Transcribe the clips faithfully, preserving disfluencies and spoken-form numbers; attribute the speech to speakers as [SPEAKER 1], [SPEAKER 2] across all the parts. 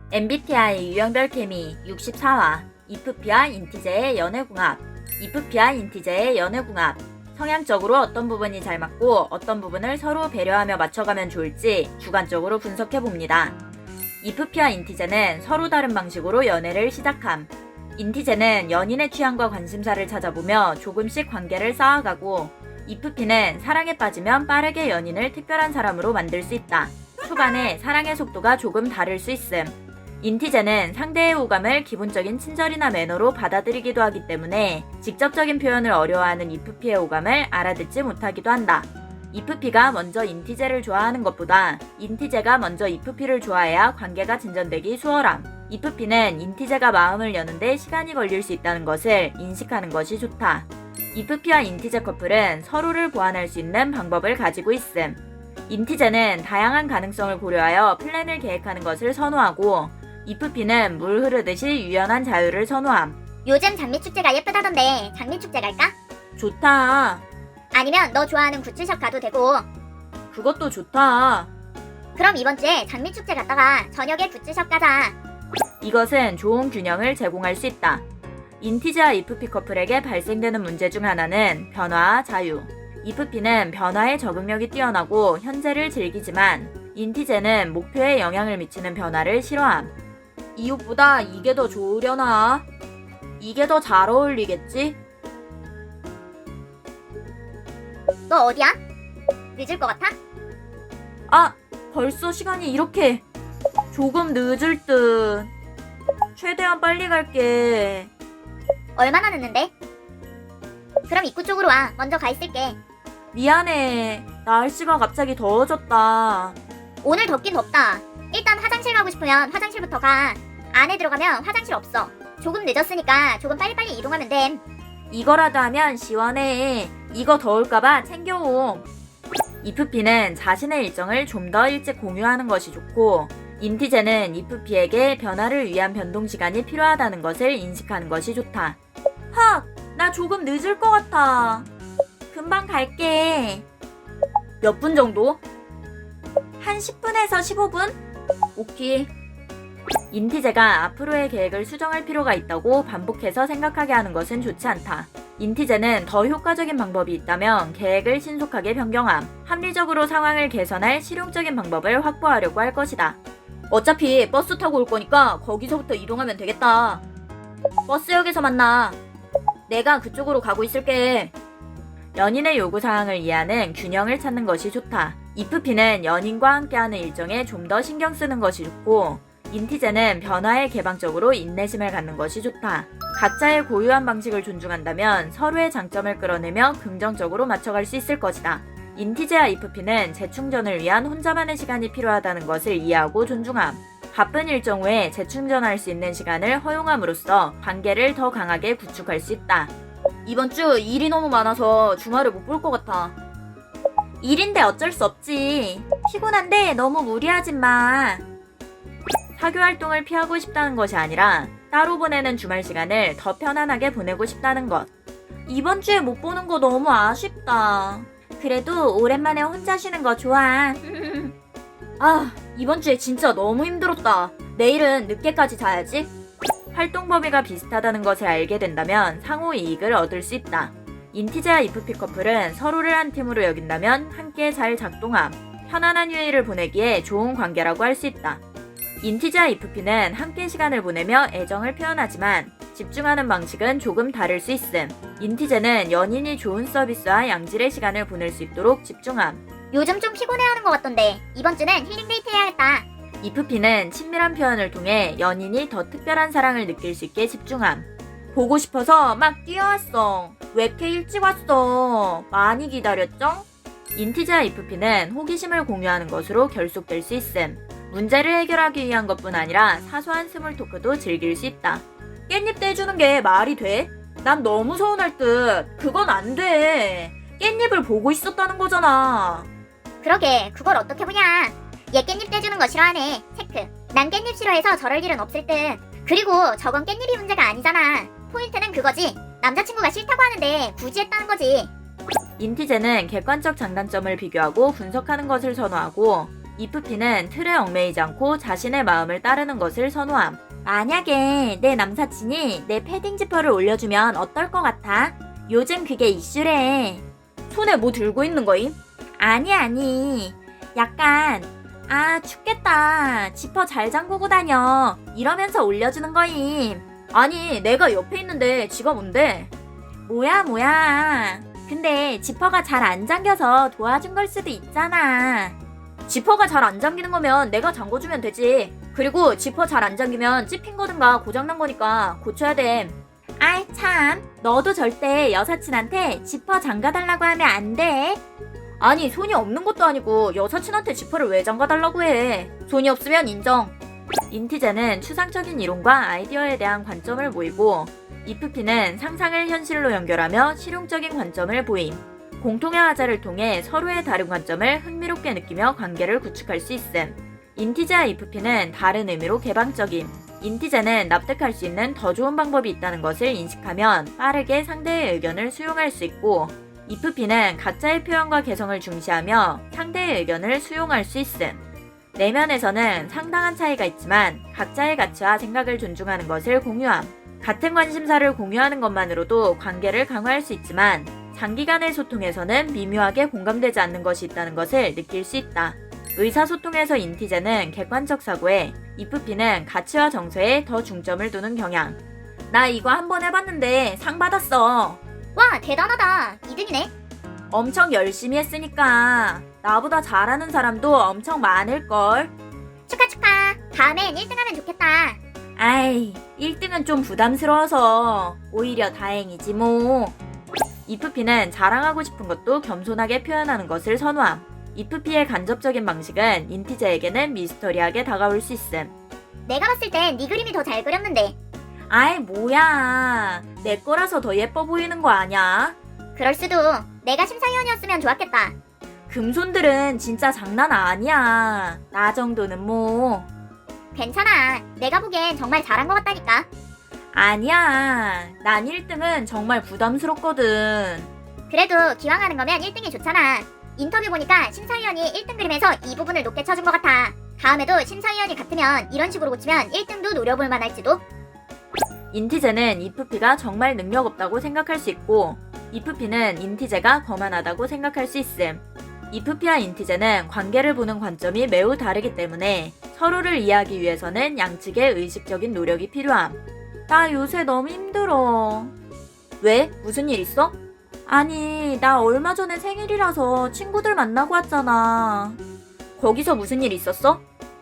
[SPEAKER 1] 엠비티아이 유형별 케미 육십사 화 이프피와 인티제의 연애궁합. 이프피와 인티제의 연애궁합. 성향적으로 어떤 부분이 잘 맞고 어떤 부분을 서로 배려하며 맞춰가면 좋을지 주관적으로 분석해봅니다. 이프피와 인티제는 서로 다른 방식으로 연애를 시작함. 인티제는 연인의 취향과 관심사를 찾아보며 조금씩 관계를 쌓아가고, 이프피는 사랑에 빠지면 빠르게 연인을 특별한 사람으로 만들 수 있다. 초반에 사랑의 속도가 조금 다를 수 있음. 인티제는 상대의 호감을 기본적인 친절이나 매너로 받아들이기도 하기 때문에 직접적인 표현을 어려워하는 이프피의 호감을 알아듣지 못하기도 한다. 이프피가 먼저 인티제를 좋아하는 것보다 인티제가 먼저 이프피를 좋아해야 관계가 진전되기 수월함. 이프피는 인티제가 마음을 여는데 시간이 걸릴 수 있다는 것을 인식하는 것이 좋다. 이프피와 인티제 커플은 서로를 보완할 수 있는 방법을 가지고 있음. 인티제는 다양한 가능성을 고려하여 플랜을 계획하는 것을 선호하고, 이프피는 물 흐르듯이 유연한 자유를 선호함.
[SPEAKER 2] 요즘 장미축제가 예쁘다던데 장미축제 갈까?
[SPEAKER 1] 좋다.
[SPEAKER 2] 아니면 너 좋아하는 굿즈샵 가도 되고.
[SPEAKER 1] 그것도 좋다.
[SPEAKER 2] 그럼 이번 주에 장미축제 갔다가 저녁에 굿즈샵 가자.
[SPEAKER 1] 이것은 좋은 균형을 제공할 수 있다. 인티제와 이프피 커플에게 발생되는 문제 중 하나는 변화와 자유. 이프피는 변화에 적응력이 뛰어나고 현재를 즐기지만, 인티제는 목표에 영향을 미치는 변화를 싫어함. 이 옷보다 이게 더 좋으려나? 이게 더 잘 어울리겠지?
[SPEAKER 2] 너 어디야? 늦을 것 같아?
[SPEAKER 1] 아, 벌써 시간이 이렇게. 조금 늦을 듯. 최대한 빨리 갈게.
[SPEAKER 2] 얼마나 늦는데? 그럼 입구 쪽으로 와. 먼저 가 있을게.
[SPEAKER 1] 미안해. 날씨가 갑자기 더워졌다.
[SPEAKER 2] 오늘 덥긴 덥다. 일단 화장실 가고 싶으면 화장실부터 가. 안에 들어가면 화장실 없어. 조금 늦었으니까 조금 빨리빨리 이동하면 됨.
[SPEAKER 1] 이거라도 하면 시원해. 이거 더울까봐 챙겨옴. 이프피는 자신의 일정을 좀 더 일찍 공유하는 것이 좋고, 인티제는 이프피에게 변화를 위한 변동 시간이 필요하다는 것을 인식하는 것이 좋다. 헉! 나 조금 늦을 것 같아. 금방 갈게. 몇 분 정도? 한 십 분에서 십오 분? 오케이. 인티제가 앞으로의 계획을 수정할 필요가 있다고 반복해서 생각하게 하는 것은 좋지 않다. 인티제는 더 효과적인 방법이 있다면 계획을 신속하게 변경함. 합리적으로 상황을 개선할 실용적인 방법을 확보하려고 할 것이다. 어차피 버스 타고 올 거니까 거기서부터 이동하면 되겠다. 버스역에서 만나. 내가 그쪽으로 가고 있을게. 연인의 요구사항을 이해하는 균형을 찾는 것이 좋다. 이프피는 연인과 함께하는 일정에 좀 더 신경 쓰는 것이 좋고, 인티제는 변화에 개방적으로 인내심을 갖는 것이 좋다. 각자의 고유한 방식을 존중한다면 서로의 장점을 끌어내며 긍정적으로 맞춰갈 수 있을 것이다. 인티제와 이프피는 재충전을 위한 혼자만의 시간이 필요하다는 것을 이해하고 존중함. 바쁜 일정 후에 재충전할 수 있는 시간을 허용함으로써 관계를 더 강하게 구축할 수 있다. 이번 주 일이 너무 많아서 주말을 못 볼 것 같아. 일인데 어쩔 수 없지. 피곤한데 너무 무리하지 마. 사교 활동을 피하고 싶다는 것이 아니라 따로 보내는 주말 시간을 더 편안하게 보내고 싶다는 것. 이번 주에 못 보는 거 너무 아쉽다. 그래도 오랜만에 혼자 쉬는 거 좋아. 아, 이번 주에 진짜 너무 힘들었다. 내일은 늦게까지 자야지. 활동 범위가 비슷하다는 것을 알게 된다면 상호 이익을 얻을 수 있다. 인티제와 이프피 커플은 서로를 한 팀으로 여긴다면 함께 잘 작동함. 편안한 휴일을 보내기에 좋은 관계라고 할 수 있다. 인티제와 이프피는 함께 시간을 보내며 애정을 표현하지만 집중하는 방식은 조금 다를 수 있음. 인티제는 연인이 좋은 서비스와 양질의 시간을 보낼 수 있도록 집중함.
[SPEAKER 2] 요즘 좀 피곤해하는 것 같던데 이번 주는 힐링 데이트 해야겠다.
[SPEAKER 1] 이프피는 친밀한 표현을 통해 연인이 더 특별한 사랑을 느낄 수 있게 집중함. 보고 싶어서 막 뛰어왔어. 왜 이렇게 일찍 왔어? 많이 기다렸죠? 인티제와 이프피는 호기심을 공유하는 것으로 결속될 수 있음. 문제를 해결하기 위한 것뿐 아니라 사소한 스몰 토크도 즐길 수 있다. 깻잎 떼주는 게 말이 돼? 난 너무 서운할 듯. 그건 안 돼. 깻잎을 보고 있었다는 거잖아.
[SPEAKER 2] 그러게 그걸 어떻게 보냐. 얘 깻잎 떼주는 거 싫어하네. 체크. 난 깻잎 싫어해서 저럴 일은 없을 듯. 그리고 저건 깻잎이 문제가 아니잖아. 포인트는 그거지. 남자친구가 싫다고 하는데 굳이 했다는 거지.
[SPEAKER 1] 인티제는 객관적 장단점을 비교하고 분석하는 것을 선호하고, 이프피는 틀에 얽매이지 않고 자신의 마음을 따르는 것을 선호함. 만약에 내 남사친이 내 패딩 지퍼를 올려주면 어떨 것 같아? 요즘 그게 이슈래. 손에 뭐 들고 있는 거임? 아니 아니. 약간 아 춥겠다. 지퍼 잘 잠그고 다녀. 이러면서 올려주는 거임. 아니 내가 옆에 있는데 지가 뭔데? 뭐야 뭐야. 근데 지퍼가 잘 안 잠겨서 도와준 걸 수도 있잖아. 지퍼가 잘 안 잠기는 거면 내가 잠궈주면 되지. 그리고 지퍼 잘 안 잠기면 찝힌 거든가 고장난 거니까 고쳐야 돼. 아이 참, 너도 절대 여사친한테 지퍼 잠가달라고 하면 안 돼. 아니 손이 없는 것도 아니고 여사친한테 지퍼를 왜 잠가달라고 해. 손이 없으면 인정. 인티제는 추상적인 이론과 아이디어에 대한 관점을 모이고 이프피는 상상을 현실로 연결하며 실용적인 관점을 보임. 공통의 화자를 통해 서로의 다른 관점을 흥미롭게 느끼며 관계를 구축할 수 있음. 인티제와 이프피는 다른 의미로 개방적임. 인티제는 납득할 수 있는 더 좋은 방법이 있다는 것을 인식하면 빠르게 상대의 의견을 수용할 수 있고, 이프피는 각자의 표현과 개성을 중시하며 상대의 의견을 수용할 수 있음. 내면에서는 상당한 차이가 있지만 각자의 가치와 생각을 존중하는 것을 공유함. 같은 관심사를 공유하는 것만으로도 관계를 강화할 수 있지만 장기간의 소통에서는 미묘하게 공감되지 않는 것이 있다는 것을 느낄 수 있다. 의사소통에서 인티제는 객관적 사고에, 이프피는 가치와 정서에 더 중점을 두는 경향. 나 이거 한번 해봤는데 상 받았어.
[SPEAKER 2] 와, 대단하다. 이 등이네.
[SPEAKER 1] 엄청 열심히 했으니까 나보다 잘하는 사람도 엄청 많을걸.
[SPEAKER 2] 축하 축하. 다음엔 일 등 하면 좋겠다.
[SPEAKER 1] 아이, 일 등은 좀 부담스러워서 오히려 다행이지 뭐. 이프피는 자랑하고 싶은 것도 겸손하게 표현하는 것을 선호함. 이프피의 간접적인 방식은 인티제에게는 미스터리하게 다가올 수 있음.
[SPEAKER 2] 내가 봤을 땐 네 그림이 더 잘 그렸는데.
[SPEAKER 1] 아이 뭐야, 내 거라서 더 예뻐 보이는 거 아냐?
[SPEAKER 2] 그럴 수도. 내가 심사위원이었으면 좋았겠다.
[SPEAKER 1] 금손들은 진짜 장난 아니야. 나 정도는 뭐.
[SPEAKER 2] 괜찮아. 내가 보기엔 정말 잘한 것 같다니까.
[SPEAKER 1] 아니야, 난 일 등은 정말 부담스럽거든.
[SPEAKER 2] 그래도 기왕 하는 거면 일 등이 좋잖아. 인터뷰 보니까 심사위원이 일 등 그림에서 이 부분을 높게 쳐준 것 같아. 다음에도 심사위원이 같으면 이런 식으로 고치면 일 등도 노려볼 만할지도.
[SPEAKER 1] 인티제는 이프피가 정말 능력 없다고 생각할 수 있고, 이프피는 인티제가 거만하다고 생각할 수 있음. 이프피와 인티제는 관계를 보는 관점이 매우 다르기 때문에 서로를 이해하기 위해서는 양측의 의식적인 노력이 필요함. 나 요새 너무 힘들어. 왜? 무슨 일 있어? 아니, 나 얼마 전에 생일이라서 친구들 만나고 왔잖아. 거기서 무슨 일 있었어?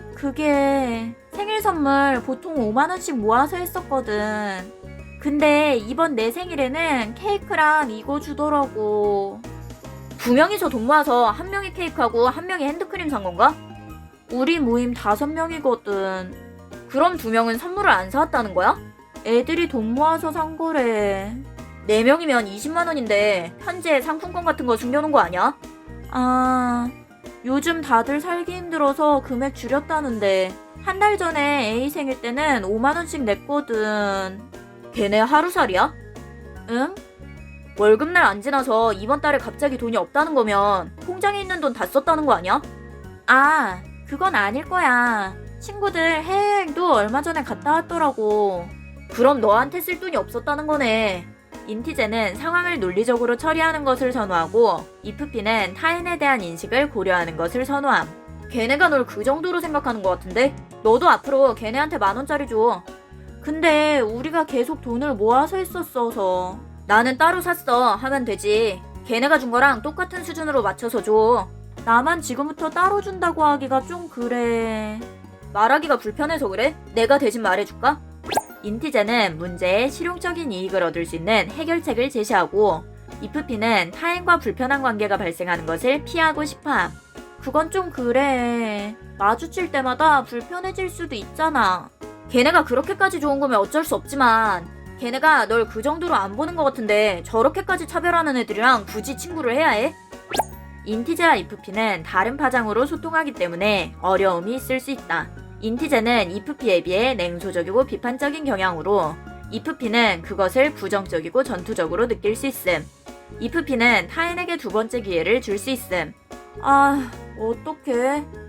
[SPEAKER 1] 그게 생일 선물 보통 오만 원씩 모아서 했었거든. 근데 이번 내 생일에는 케이크랑 이거 주더라고. 두 명이서 돈 모아서 한 명이 케이크하고 한 명이 핸드크림 산 건가? 우리 모임 다섯 명이거든. 그럼 두 명은 선물을 안 사왔다는 거야? 애들이 돈 모아서 산 거래. 네 명이면 이십만 원인데 현재 상품권 같은 거 숨겨놓은 거 아니야? 아, 요즘 다들 살기 힘들어서 금액 줄였다는데 한 달 전에 A 생일 때는 오만 원씩 냈거든. 걔네 하루살이야? 응? 월급날 안 지나서 이번 달에 갑자기 돈이 없다는 거면 통장에 있는 돈 다 썼다는 거 아니야? 아, 그건 아닐 거야. 친구들 해외여행도 얼마 전에 갔다 왔더라고. 그럼 너한테 쓸 돈이 없었다는 거네. 인티제는 상황을 논리적으로 처리하는 것을 선호하고, 이프피는 타인에 대한 인식을 고려하는 것을 선호함. 걔네가 널 그 정도로 생각하는 것 같은데? 너도 앞으로 걔네한테 만 원짜리 줘. 근데 우리가 계속 돈을 모아서 했었어서. 나는 따로 샀어 하면 되지. 걔네가 준 거랑 똑같은 수준으로 맞춰서 줘. 나만 지금부터 따로 준다고 하기가 좀 그래. 말하기가 불편해서 그래? 내가 대신 말해줄까? 인티제는 문제에 실용적인 이익을 얻을 수 있는 해결책을 제시하고, 이프피는 타인과 불편한 관계가 발생하는 것을 피하고 싶어함. 그건 좀 그래. 마주칠 때마다 불편해질 수도 있잖아. 걔네가 그렇게까지 좋은 거면 어쩔 수 없지만 걔네가 널 그 정도로 안 보는 것 같은데 저렇게까지 차별하는 애들이랑 굳이 친구를 해야 해? 인티제와 이프피는 다른 파장으로 소통하기 때문에 어려움이 있을 수 있다. 인티제는 이프피에 비해 냉소적이고 비판적인 경향으로, 이프피는 그것을 부정적이고 전투적으로 느낄 수 있음. 이프피는 타인에게 두 번째 기회를 줄 수 있음. 아, 어떡해.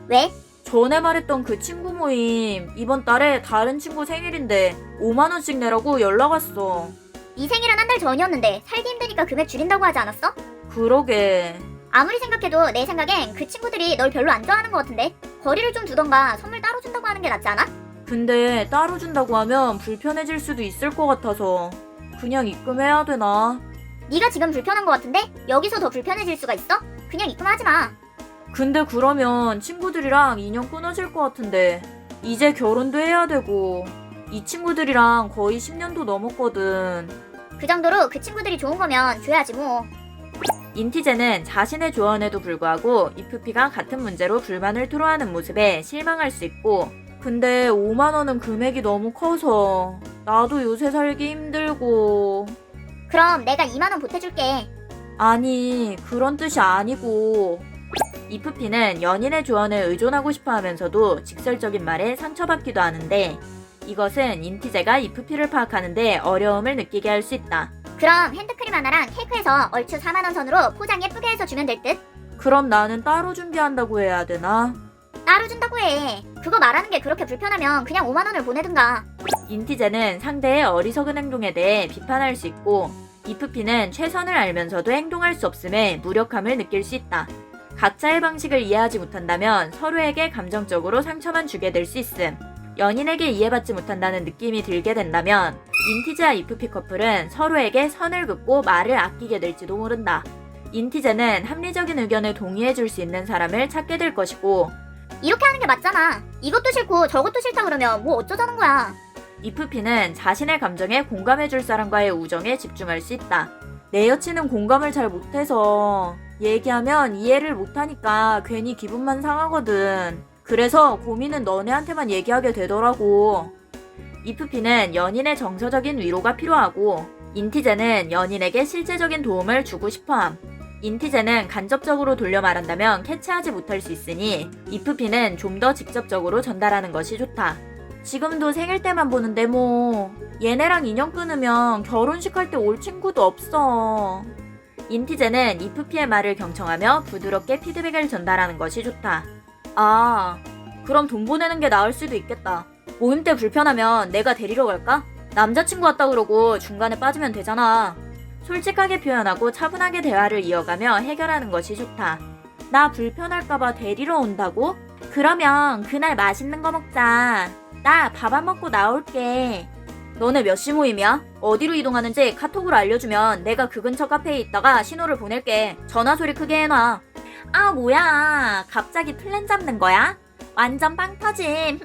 [SPEAKER 2] 왜?
[SPEAKER 1] 전에 말했던 그 친구 모임 이번 달에 다른 친구 생일인데 오만 원씩 내라고 연락 왔어.
[SPEAKER 2] 네 생일은 한 달 전이었는데 살기 힘드니까 금액 줄인다고 하지 않았어?
[SPEAKER 1] 그러게.
[SPEAKER 2] 아무리 생각해도 내 생각엔 그 친구들이 널 별로 안 좋아하는 것 같은데 거리를 좀 두던가 선물 따로 준다고 하는 게 낫지 않아?
[SPEAKER 1] 근데 따로 준다고 하면 불편해질 수도 있을 것 같아서 그냥 입금해야 되나?
[SPEAKER 2] 네가 지금 불편한 것 같은데 여기서 더 불편해질 수가 있어? 그냥 입금하지 마.
[SPEAKER 1] 근데 그러면 친구들이랑 인연 끊어질 것 같은데 이제 결혼도 해야 되고 이 친구들이랑 거의 십 년도 넘었거든.
[SPEAKER 2] 그 정도로 그 친구들이 좋은 거면 줘야지 뭐.
[SPEAKER 1] 인티제는 자신의 조언에도 불구하고 이프피가 같은 문제로 불만을 토로하는 모습에 실망할 수 있고 근데 오만 원은 금액이 너무 커서 나도 요새 살기 힘들고.
[SPEAKER 2] 그럼 내가 이만 원 보태줄게.
[SPEAKER 1] 아니 그런 뜻이 아니고. 이프피는 연인의 조언을 의존하고 싶어 하면서도 직설적인 말에 상처받기도 하는데 이것은 인티제가 이프피를 파악하는데 어려움을 느끼게 할 수 있다.
[SPEAKER 2] 그럼 핸드크림 하나랑 케이크에서 얼추 사만 원 선으로 포장 예쁘게 해서 주면 될 듯?
[SPEAKER 1] 그럼 나는 따로 준비한다고 해야 되나?
[SPEAKER 2] 따로 준다고 해. 그거 말하는 게 그렇게 불편하면 그냥 오만 원을 보내든가.
[SPEAKER 1] 인티제는 상대의 어리석은 행동에 대해 비판할 수 있고 이프피는 최선을 알면서도 행동할 수 없음에 무력함을 느낄 수 있다. 각자의 방식을 이해하지 못한다면 서로에게 감정적으로 상처만 주게 될 수 있음. 연인에게 이해받지 못한다는 느낌이 들게 된다면 인티제와 이프피 커플은 서로에게 선을 긋고 말을 아끼게 될지도 모른다. 인티제는 합리적인 의견을 동의해줄 수 있는 사람을 찾게 될 것이고
[SPEAKER 2] 이렇게 하는 게 맞잖아. 이것도 싫고 저것도 싫다 그러면 뭐 어쩌자는 거야.
[SPEAKER 1] 이프피는 자신의 감정에 공감해줄 사람과의 우정에 집중할 수 있다. 내 여친은 공감을 잘 못해서 얘기하면 이해를 못하니까 괜히 기분만 상하거든. 그래서 고민은 너네한테만 얘기하게 되더라고. 이프피는 연인의 정서적인 위로가 필요하고 인티제는 연인에게 실제적인 도움을 주고 싶어함. 인티제는 간접적으로 돌려 말한다면 캐치하지 못할 수 있으니 이프피는 좀 더 직접적으로 전달하는 것이 좋다. 지금도 생일 때만 보는데 뭐 얘네랑 인연 끊으면 결혼식 할 때 올 친구도 없어. 인티제는 이프피의 말을 경청하며 부드럽게 피드백을 전달하는 것이 좋다. 아, 그럼 돈 보내는 게 나을 수도 있겠다. 모임 때 불편하면 내가 데리러 갈까? 남자친구 왔다 그러고 중간에 빠지면 되잖아. 솔직하게 표현하고 차분하게 대화를 이어가며 해결하는 것이 좋다. 나 불편할까봐 데리러 온다고? 그러면 그날 맛있는 거 먹자. 나 밥 안 먹고 나올게. 너네 몇 시 모임이야? 어디로 이동하는지 카톡으로 알려주면 내가 그 근처 카페에 있다가 신호를 보낼게. 전화 소리 크게 해놔. 아 뭐야 갑자기 플랜 잡는 거야? 완전 빵 터짐.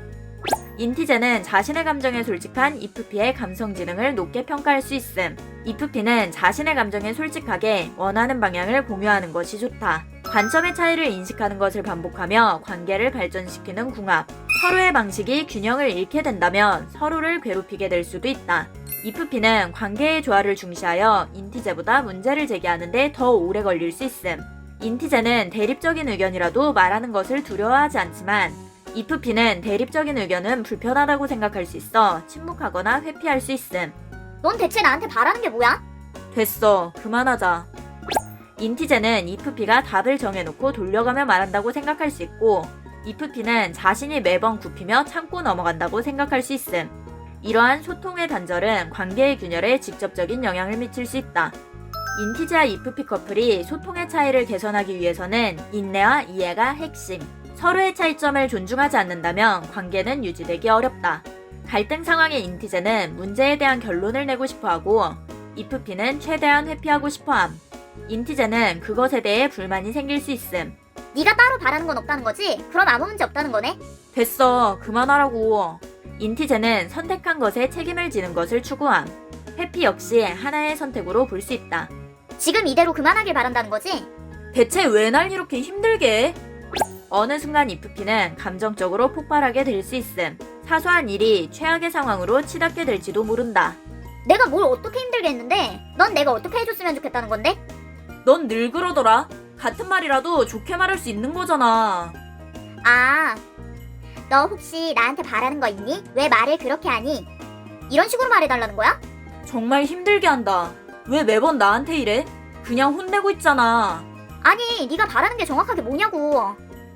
[SPEAKER 1] 인티제는 자신의 감정에 솔직한 이프피의 감성 지능을 높게 평가할 수 있음. 이프피는 자신의 감정에 솔직하게 원하는 방향을 공유하는 것이 좋다. 관점의 차이를 인식하는 것을 반복하며 관계를 발전시키는 궁합. 서로의 방식이 균형을 잃게 된다면 서로를 괴롭히게 될 수도 있다. 이프피는 관계의 조화를 중시하여 인티제보다 문제를 제기하는데 더 오래 걸릴 수 있음. 인티제는 대립적인 의견이라도 말하는 것을 두려워하지 않지만 이프피는 대립적인 의견은 불편하다고 생각할 수 있어 침묵하거나 회피할 수 있음.
[SPEAKER 2] 넌 대체 나한테 바라는 게 뭐야?
[SPEAKER 1] 됐어. 그만하자. 인티제는 이프피가 답을 정해놓고 돌려가며 말한다고 생각할 수 있고 이프피는 자신이 매번 굽히며 참고 넘어간다고 생각할 수 있음. 이러한 소통의 단절은 관계의 균열에 직접적인 영향을 미칠 수 있다. 인티제와 이프피 커플이 소통의 차이를 개선하기 위해서는 인내와 이해가 핵심. 서로의 차이점을 존중하지 않는다면 관계는 유지되기 어렵다. 갈등 상황의 인티제는 문제에 대한 결론을 내고 싶어하고 이프피는 최대한 회피하고 싶어함. 인티제는 그것에 대해 불만이 생길 수 있음.
[SPEAKER 2] 네가 따로 바라는 건 없다는 거지? 그럼 아무 문제 없다는 거네?
[SPEAKER 1] 됐어. 그만하라고. 인티제는 선택한 것에 책임을 지는 것을 추구함. 회피 역시 하나의 선택으로 볼 수 있다.
[SPEAKER 2] 지금 이대로 그만하길 바란다는 거지?
[SPEAKER 1] 대체 왜 날 이렇게 힘들게 해? 어느 순간 이프피는 감정적으로 폭발하게 될 수 있음. 사소한 일이 최악의 상황으로 치닫게 될지도 모른다.
[SPEAKER 2] 내가 뭘 어떻게 힘들게 했는데 넌 내가 어떻게 해줬으면 좋겠다는 건데?
[SPEAKER 1] 넌 늘 그러더라. 같은 말이라도 좋게 말할 수 있는 거잖아.
[SPEAKER 2] 아, 너 혹시 나한테 바라는 거 있니? 왜 말을 그렇게 하니? 이런 식으로 말해달라는 거야?
[SPEAKER 1] 정말 힘들게 한다. 왜 매번 나한테 이래? 그냥 혼내고 있잖아.
[SPEAKER 2] 아니, 네가 바라는 게 정확하게 뭐냐고.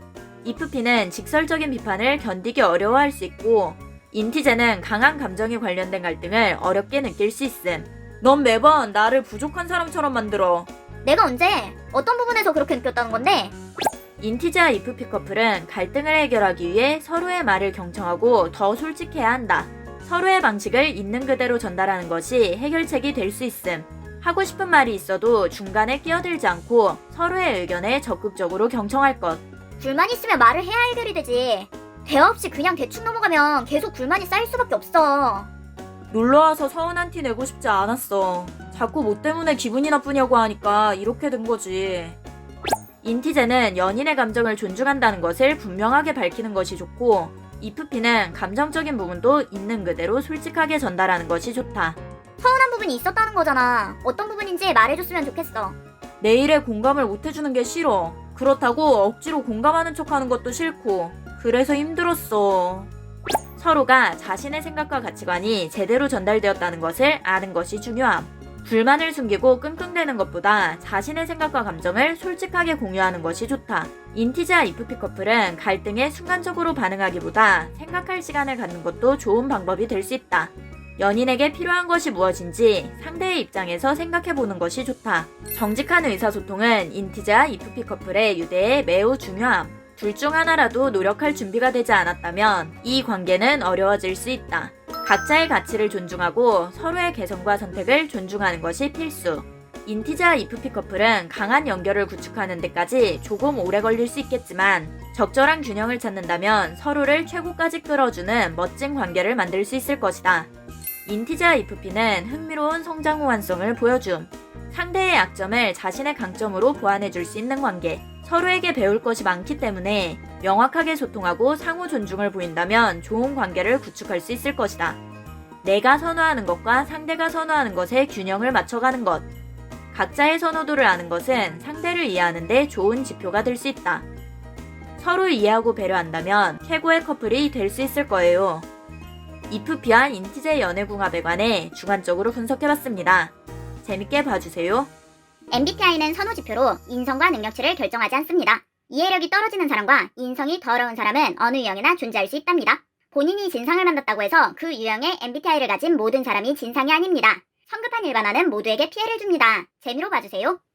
[SPEAKER 1] 이프피는 직설적인 비판을 견디기 어려워할 수 있고 인티제는 강한 감정이 관련된 갈등을 어렵게 느낄 수 있음. 넌 매번 나를 부족한 사람처럼 만들어.
[SPEAKER 2] 내가 언제 어떤 부분에서 그렇게 느꼈다는 건데?
[SPEAKER 1] 인티제와 이프피 커플은 갈등을 해결하기 위해 서로의 말을 경청하고 더 솔직해야 한다. 서로의 방식을 있는 그대로 전달하는 것이 해결책이 될 수 있음. 하고 싶은 말이 있어도 중간에 끼어들지 않고 서로의 의견에 적극적으로 경청할 것.
[SPEAKER 2] 불만 있으면 말을 해야 해결이 되지. 대화 없이 그냥 대충 넘어가면 계속 불만이 쌓일 수밖에 없어.
[SPEAKER 1] 놀러와서 서운한 티 내고 싶지 않았어. 자꾸 뭐 때문에 기분이 나쁘냐고 하니까 이렇게 된 거지. 인티제는 연인의 감정을 존중한다는 것을 분명하게 밝히는 것이 좋고 이프피는 감정적인 부분도 있는 그대로 솔직하게 전달하는 것이 좋다.
[SPEAKER 2] 서운한 부분이 있었다는 거잖아. 어떤 부분인지 말해줬으면 좋겠어.
[SPEAKER 1] 내 일에 공감을 못 해주는 게 싫어. 그렇다고 억지로 공감하는 척하는 것도 싫고 그래서 힘들었어. 서로가 자신의 생각과 가치관이 제대로 전달되었다는 것을 아는 것이 중요함. 불만을 숨기고 끙끙대는 것보다 자신의 생각과 감정을 솔직하게 공유하는 것이 좋다. 인티제와 이프피 커플은 갈등에 순간적으로 반응하기보다 생각할 시간을 갖는 것도 좋은 방법이 될 수 있다. 연인에게 필요한 것이 무엇인지 상대의 입장에서 생각해보는 것이 좋다. 정직한 의사소통은 인티제와 이프피 커플의 유대에 매우 중요함. 둘 중 하나라도 노력할 준비가 되지 않았다면 이 관계는 어려워질 수 있다. 각자의 가치를 존중하고 서로의 개성과 선택을 존중하는 것이 필수. 인티제와 이프피 커플은 강한 연결을 구축하는 데까지 조금 오래 걸릴 수 있겠지만 적절한 균형을 찾는다면 서로를 최고까지 끌어주는 멋진 관계를 만들 수 있을 것이다. 인티제와 이프피는 흥미로운 성장 호환성을 보여줌. 상대의 약점을 자신의 강점으로 보완해줄 수 있는 관계. 서로에게 배울 것이 많기 때문에 명확하게 소통하고 상호 존중을 보인다면 좋은 관계를 구축할 수 있을 것이다. 내가 선호하는 것과 상대가 선호하는 것의 균형을 맞춰가는 것. 각자의 선호도를 아는 것은 상대를 이해하는 데 좋은 지표가 될 수 있다. 서로 이해하고 배려한다면 최고의 커플이 될 수 있을 거예요. 이프피와 인티제 연애궁합에 관해 주관적으로 분석해봤습니다. 재밌게 봐주세요.
[SPEAKER 2] 엠비티아이는 선호지표로 인성과 능력치를 결정하지 않습니다. 이해력이 떨어지는 사람과 인성이 더러운 사람은 어느 유형이나 존재할 수 있답니다. 본인이 진상을 만났다고 해서 그 유형의 엠비티아이를 가진 모든 사람이 진상이 아닙니다. 성급한 일반화는 모두에게 피해를 줍니다. 재미로 봐주세요.